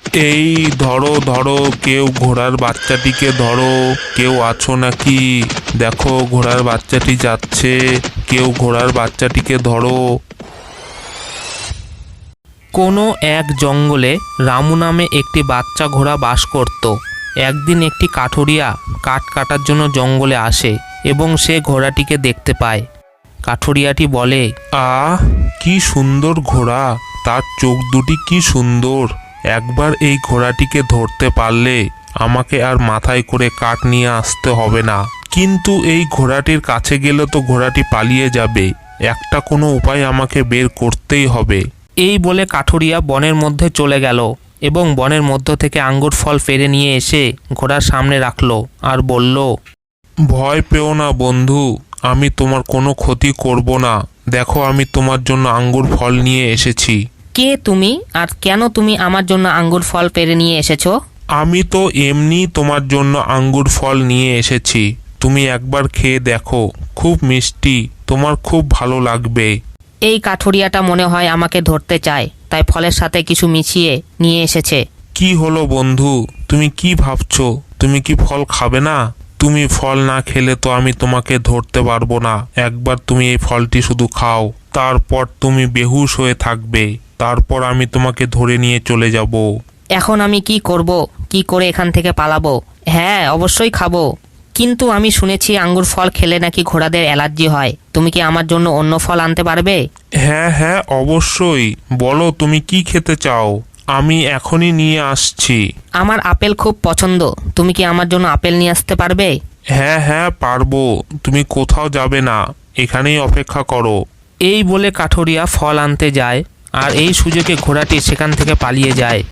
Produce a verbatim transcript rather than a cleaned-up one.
এই ধরো ধরো, কেউ ঘোড়ার বাচ্চাটিকে ধরো। কেউ আছো নাকি? দেখো ঘোড়ার বাচ্চাটি যাচ্ছে, কেউ ঘোড়ার বাচ্চাটিকে ধরো। কোনো এক জঙ্গলে রামু নামে একটি বাচ্চা ঘোড়া বাস করত। একদিন একটি কাঠুরিয়া কাঠ কাটার জন্য জঙ্গলে আসে এবং সে ঘোড়াটিকে দেখতে পায়। কাঠুরিয়াটি বলে, আহ, কি সুন্দর ঘোড়া! তার চোখ দুটি কি সুন্দর! একবার এই ঘোড়াটিকে ধরতে পারলে আমাকে আর মাথায় করে কাঠ নিয়ে আসতে হবে না। কিন্তু এই ঘোড়াটির কাছে গেলে তো ঘোড়াটি পালিয়ে যাবে। একটা কোনো উপায় আমাকে বের করতেই হবে। এই বলে কাঠুরিয়া বনের মধ্যে চলে গেল এবং বনের মধ্য থেকে আঙ্গুর ফল পেড়ে নিয়ে এসে ঘোড়ার সামনে রাখলো আর বলল, ভয় পেও না বন্ধু, আমি তোমার কোনো ক্ষতি করব না। দেখো আমি তোমার জন্য আঙ্গুর ফল নিয়ে এসেছি। কে তুমি, আর কেন তুমি আমার জন্য আঙ্গুর ফল পেড়ে নিয়ে এসেছো? আমি তো এমনি তোমার জন্য আঙ্গুর ফল নিয়ে এসেছি। তুমি একবার খেয়ে দেখো, খুব মিষ্টি, তোমার খুব ভালো লাগবে। এই কাঠুরিয়াটা মনে হয় আমাকে ধরতে চায়, তাই ফলের সাথে কিছু মিশিয়ে নিয়ে এসেছে। কি হলো বন্ধু, তুমি কি ভাবছো? তুমি কি ফল খাবে না? তুমি ফল না খেলে তো আমি তোমাকে ধরতে পারবো না। একবার তুমি এই ফলটি শুধু খাও, তারপর তুমি বেহুশ হয়ে থাকবে। তারপর আমি তোমাকে ধরে নিয়ে চলে যাব। এখন আমি কি করব? কি করে এখান থেকে পালাবো? হ্যাঁ, অবশ্যই খাবো, কিন্তু আমি শুনেছি আঙ্গুর ফল খেলে নাকি ঘোড়াদের অ্যালার্জি হয়। তুমি কি আমার জন্য অন্য ফল আনতে পারবে? হ্যাঁ হ্যাঁ, অবশ্যই। বলো তুমি কি খেতে চাও, আমি এখনই নিয়ে আসছি। আমার আপেল খুব পছন্দ, তুমি কি আমার জন্য আপেল নিয়ে আসতে পারবে? হ্যাঁ হ্যাঁ পারবো, তুমি কোথাও যাবে না, এখানেই অপেক্ষা করো। এই বলে কাঠুরিয়া ফল আনতে যায় আর এই সুযোগে ঘোড়াটি সেখান থেকে পালিয়ে যায়।